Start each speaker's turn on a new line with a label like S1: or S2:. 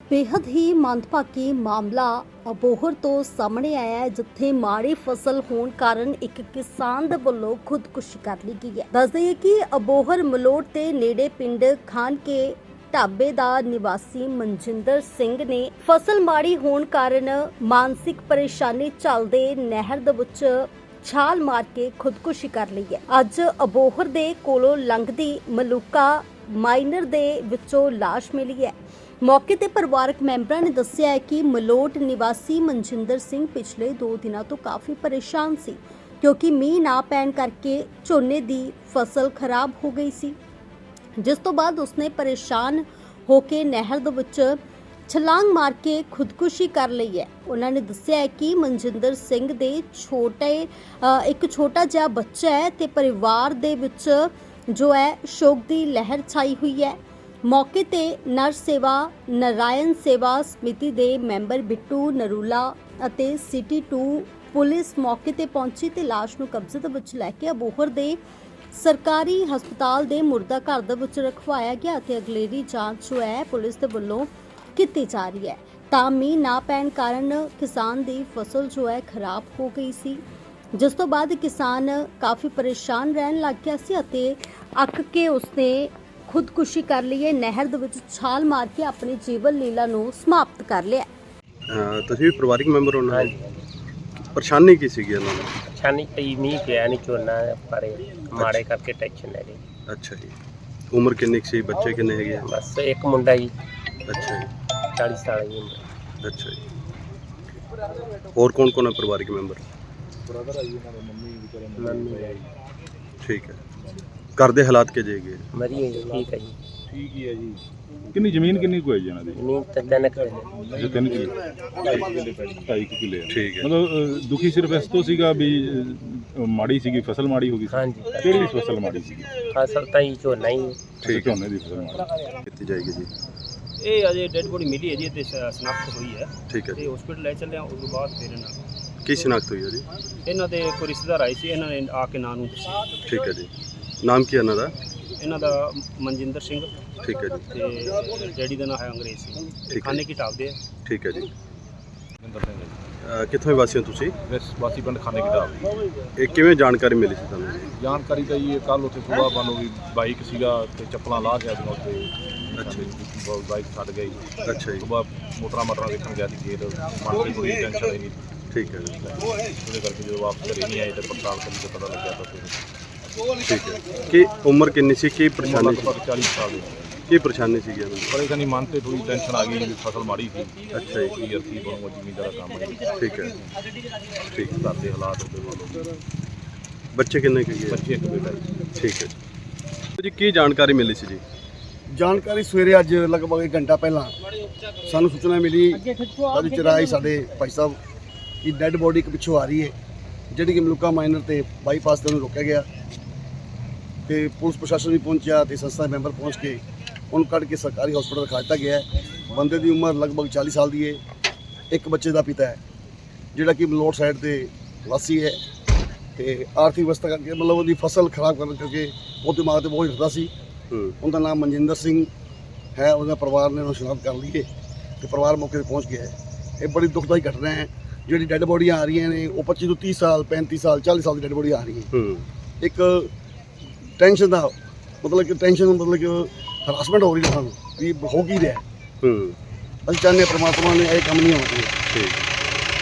S1: बेहद ही मंदभागी मामला अबोहर तो सामने आया है, जिथे माड़ी फसल होने कारण एक किसान दे वल्लों खुदकुशी कर ली गई है। दस दईए कि अबोहर मलोट ते नेड़े पिंड खान के ढाबे दा निवासी मनजिंदर सिंह ने फसल माड़ी होने कारण मानसिक परेशानी झलदे नहर दे विच छाल मार के खुदकुशी कर ली है। अज अबोहर दे कोलों लंघदी मलूका माइनर दे विचों लाश मिली है। मौके ते परिवारक मैंबरां ने दस्सिया है कि मलोट निवासी मनजिंदर सिंह पिछले 2 दिनों तो काफ़ी परेशान सी, क्योंकि मींह ना पैण करके झोने दी फसल खराब हो गई सी, जिस तो बाद उसने परेशान होके नहर दे विच छलांग मार के खुदकुशी कर ली है। उन्होंने दस्सिया है कि मनजिंदर सिंह दे एक छोटा जिहा बच्चा है ते परिवार दे विच जो है शोक दी लहर छाई हुई है। मौके ते नर सेवा नारायण सेवा समिति दे मैंबर बिट्टू नरूला अते सिटी 2 पुलिस मौके ते पहुंची ते लाश नूं कब्जे दे विच लैके अबोहर दे सरकारी हस्पताल दे मुर्दा घर दे विच रखवाया गया ते अगलेरी जांच जो है पुलिस दे वल्लों कीती जा रही है। तां मींह ना पैण कारण किसान दी फसल जो है खराब हो गई सी, जिस तो बाद किसान काफ़ी परेशान रहन लग गया सी अते अक के उसने खुदकुशी कर ली है। नहर दे विच छाल मार के अपनी जीवन लीला नूं समाप्त कर लिया।
S2: ਤੁਸੀਂ ਵੀ ਪਰਿਵਾਰਿਕ ਮੈਂਬਰ ਹੋ ਨਾ? ਪਰੇਸ਼ਾਨੀ ਕੀ ਸੀਗੀ ਇਹਨਾਂ ਨੂੰ?
S3: ਪਰੇਸ਼ਾਨੀ ਪਈ ਮੀਂਹ ਪਿਆ ਨਹੀਂ, ਝੋਨਾ ਪਰੇ ਮਾੜੇ ਕਰਕੇ ਟੈਨਸ਼ਨ ਲੈ ਗਈ।
S2: ਅੱਛਾ ਜੀ। ਉਮਰ ਕਿੰਨੀ ਕੁ ਸੀ? ਬੱਚੇ ਕਿੰਨੇ ਹੈਗੇ ਆ?
S3: ਬਸ ਇੱਕ ਮੁੰਡਾ ਜੀ,
S2: ਅੱਛਾ ਜੀ।
S3: 40 ਸਾਲ ਦੀ ਉਮਰ।
S2: ਅੱਛਾ ਜੀ। ਹੋਰ ਕੌਣ ਕੌਣ ਹੈ ਪਰਿਵਾਰਿਕ ਮੈਂਬਰ?
S4: ਬ੍ਰਦਰ ਆਈ ਇਹਨਾਂ ਦੇ, ਮੰਮੀ ਆਈ।
S2: ਠੀਕ ਹੈ। ਘਰ ਦੇ ਹਾਲਾਤ ਕਿਹੋ ਜਿਹੇ ਹੈਗੇ?
S3: ਮਰੀ ਹੈ ਜੀ, ਠੀਕ ਹੈ ਜੀ।
S4: ਠੀਕ ਹੀ ਹੈ ਜੀ। ਕਿੰਨੀ ਜ਼ਮੀਨ ਕਿੰਨੀ ਕੁ ਹੈ ਜੀ ਇਹਨਾਂ ਦੀ?
S3: ਜ਼ਮੀਨ ਤਾਂ 3 ਕਿੱਲੇ।
S4: ਜੋ 3 ਕਿੱਲੇ 2.5 ਕਿੱਲੇ ਆ।
S2: ਠੀਕ ਹੈ।
S4: ਮਤਲਬ ਦੁਖੀ ਸਿਰਫ ਇਸ ਤੋਂ ਸੀਗਾ ਵੀ ਮਾੜੀ ਸੀਗੀ, ਫਸਲ ਮਾੜੀ ਹੋ ਗਈ ਸੀ।
S3: ਹਾਂਜੀ।
S4: ਕਿਹੜੀ ਫਸਲ ਮਾੜੀ ਸੀਗੀ?
S3: ਫਸਲ ਤਾਂ ਹੀ ਝੋਨਾ ਹੀ।
S2: ਠੀਕ ਹੈ।
S4: ਝੋਨੇ ਦੀ ਫਸਲ ਮਾੜੀ
S2: ਕੀਤੀ ਜਾਏਗੀ ਜੀ।
S5: ਇਹ ਅਜੇ ਡੈਡ ਬੋਡੀ ਮਿਲੀ ਹੈ ਜੀ ਤੇ ਸ਼ਨਾਖਤ ਹੋਈ ਹੈ
S2: ਠੀਕ ਹੈ
S5: ਤੇ
S2: ਜੀ।
S5: ਹਸਪੀਟਲ ਲੈ ਚੱਲੇ ਆ। ਉਸ ਤੋਂ ਬਾਅਦ ਫਿਰ
S2: ਕੀ ਸ਼ਨਾਖਤ ਹੋਈ ਹੈ ਜੀ?
S5: ਇਹਨਾਂ ਦੇ ਕੋਈ ਰਿਸ਼ਤੇਦਾਰ ਆਏ ਸੀ, ਇਹਨਾਂ ਨੇ ਆ ਕੇ ਨਾਂ ਨੂੰ ਦੱਸਿਆ।
S2: ਠੀਕ ਹੈ ਜੀ। ਨਾਮ ਕੀ ਹੈ ਇਹਨਾਂ ਦਾ?
S5: ਇਹਨਾਂ ਦਾ ਮਨਜਿੰਦਰ ਸਿੰਘ
S2: ਠੀਕ ਹੈ ਜੀ।
S5: ਤੇ ਡੈਡੀ ਦਾ ਨਾਮ ਹੈ ਅੰਗਰੇਜ਼ ਸਿੰਘ,
S2: ਠੀਕ ਹੈ।
S5: ਖਾਨੇ ਕੀ ਢਾਬ ਦੇ ਆ।
S2: ਠੀਕ ਹੈ ਜੀ।
S4: ਮਨਿੰਦਰ ਸਿੰਘ ਜੀ।
S2: ਕਿੱਥੋਂ ਦੇ ਵਾਸੀ ਹੋ ਤੁਸੀਂ?
S4: ਵਾਸੀ ਪਿੰਡ ਖਾਨੇ ਕੀ ਢਾਬ।
S2: ਇਹ ਕਿਵੇਂ ਜਾਣਕਾਰੀ ਮਿਲੀ ਸੀ ਤੁਹਾਨੂੰ ਜੀ?
S4: ਜਾਣਕਾਰੀ ਤਾਂ ਜੀ ਕੱਲ ਉੱਥੇ ਸੁਬਾਹ ਮੰਨ ਲਓ ਵੀ ਬਾਈਕ ਸੀਗਾ ਤੇ ਚੱਪਲਾਂ ਲਾਹ ਗਿਆ ਸੀ ਉੱਥੇ।
S2: ਅੱਛਾ ਜੀ।
S4: ਬਾਈਕ ਛੱਡ ਗਈ।
S2: ਅੱਛਾ ਜੀ।
S4: ਸੁਬਾਹ ਮੋਟਰਾਂ ਦੇਖਣ ਗਿਆ ਸੀ ਖੇਤ, ਮਨ ਤੇ ਕੋਈ ਟੈਨਸ਼ਨ ਹੀ ਨਹੀਂ।
S2: ਠੀਕ ਹੈ ਜੀ।
S4: ਉਹਦੇ ਕਰਕੇ ਜਦੋਂ ਵਾਪਸ ਘਰੇ ਨਹੀਂ ਆਏ ਤੇ ਪੜਤਾਲ ਕਰਨ ਤੇ ਪਤਾ ਲੱਗਿਆ ਤਾਂ ਫਿਰ
S2: ਠੀਕ ਹੈ। ਕੀ ਉਮਰ ਕਿੰਨੀ ਸੀ? ਕੀ ਪਰੇਸ਼ਾਨੀ ਸੀ?
S4: ਲਗਭਗ 40 ਸਾਲ ਦੀ।
S2: ਕੀ ਪਰੇਸ਼ਾਨੀ ਸੀਗੀ ਇਹਨਾਂ ਨੂੰ?
S4: ਪਰੇਸ਼ਾਨੀ ਮਨ ਤੇ ਥੋੜੀ ਟੈਨਸ਼ਨ ਆ ਗਈ ਵੀ ਫਸਲ ਮਾੜੀ ਸੀ।
S2: ਅੱਛਾ ਜੀ।
S4: ਕੀ ਅਰਥੀ ਬਣੂਗਾ ਜ਼ਮੀਨਦਾਰ ਦਾ ਕੰਮ ਹੈ।
S2: ਠੀਕ ਹੈ। ਠੀਕ।
S4: ਘਰ ਦੇ ਹਾਲਾਤ ਉਹਦੇ ਵੱਲੋਂ।
S2: ਬੱਚੇ ਕਿੰਨੇ ਕੁ ਹੈਗੇ?
S4: ਬੱਚੇ ਇੱਕ ਬੇਟਾ ਜੀ।
S2: ਠੀਕ ਹੈ ਜੀ। ਜੀ ਕੀ ਜਾਣਕਾਰੀ ਮਿਲੀ ਸੀ ਜੀ?
S6: ਜਾਣਕਾਰੀ ਸਵੇਰੇ ਅੱਜ ਲਗਭਗ 1 ਘੰਟਾ ਪਹਿਲਾਂ ਸਾਨੂੰ ਸੂਚਨਾ ਮਿਲੀ ਅੱਜ ਚਰਾਈ ਸਾਡੇ ਭਾਈ ਸਾਹਿਬ ਕਿ ਡੈੱਡ ਬੋਡੀ ਇੱਕ ਪਿੱਛੋਂ ਆ ਰਹੀ ਹੈ, ਜਿਹੜੀ ਕਿ ਮਲੂਕਾ ਮਾਈਨਰ ਤੇ ਬਾਈਪਾਸ ਤੇ ਉਹਨੂੰ ਰੋਕਿਆ ਗਿਆ ਤੇ ਪੁਲਿਸ ਪ੍ਰਸ਼ਾਸਨ ਵੀ ਪਹੁੰਚਿਆ ਤੇ ਸੰਸਥਾ ਦੇ ਮੈਂਬਰ ਪਹੁੰਚ ਕੇ ਉਹਨੂੰ ਕੱਢ ਕੇ ਸਰਕਾਰੀ ਹਸਪਤਾਲ ਰਖਾ ਦਿੱਤਾ ਗਿਆ ਹੈ। ਬੰਦੇ ਦੀ ਉਮਰ ਲਗਭਗ 40 ਸਾਲ ਦੀ ਹੈ। ਇੱਕ ਬੱਚੇ ਦਾ ਪਿਤਾ ਹੈ ਜਿਹੜਾ ਕਿ ਮਲੋਟ ਸਾਈਡ ਤੇ ਵਾਸੀ ਹੈ ਤੇ ਆਰਥਿਕ ਅਵਸਥਾ ਕਰਕੇ ਮਤਲਬ ਉਹਦੀ ਫਸਲ ਖਰਾਬ ਕਰਨ ਕਰਕੇ ਉਹ ਦਿਮਾਗ ਤੇ ਬੋਝ ਰੱਖਦਾ ਸੀ। ਉਹਦਾ ਨਾਮ ਮਨਜਿੰਦਰ ਸਿੰਘ ਹੈ। ਉਹਦਾ ਪਰਿਵਾਰ ਨੇ ਉਹਨੂੰ ਸ਼ਨਾਖਤ ਕਰ ਲਈ ਹੈ ਤੇ ਪਰਿਵਾਰ ਮੌਕੇ 'ਤੇ ਪਹੁੰਚ ਗਿਆ ਹੈ। ਇਹ ਬੜੀ ਦੁਖਦਾਈ ਘਟਨਾ ਹੈ। ਜਿਹੜੀ ਡੈੱਡ ਬੋਡੀਆਂ ਆ ਰਹੀਆਂ ਨੇ ਉਹ 25 ਤੋਂ 30 ਸਾਲ 35 ਸਾਲ 40 ਸਾਲ ਦੀ ਡੈੱਡ ਬੋਡੀ ਆ ਰਹੀ ਹੈ। ਇੱਕ ਟੈਨਸ਼ਨ ਦਾ ਮਤਲਬ ਕਿ ਹਰਾਸਮੈਂਟ ਹੋ ਰਹੀ ਹੈ ਸਾਨੂੰ ਵੀ ਹੋ ਕੀ ਰਿਹਾ। ਅਸੀਂ ਚਾਹੁੰਦੇ ਹਾਂ ਪ੍ਰਮਾਤਮਾ ਨੇ ਇਹ ਕੰਮ ਨਹੀਂ ਹੋਣਾ ਚਾਹੀਦਾ।
S2: ਠੀਕ।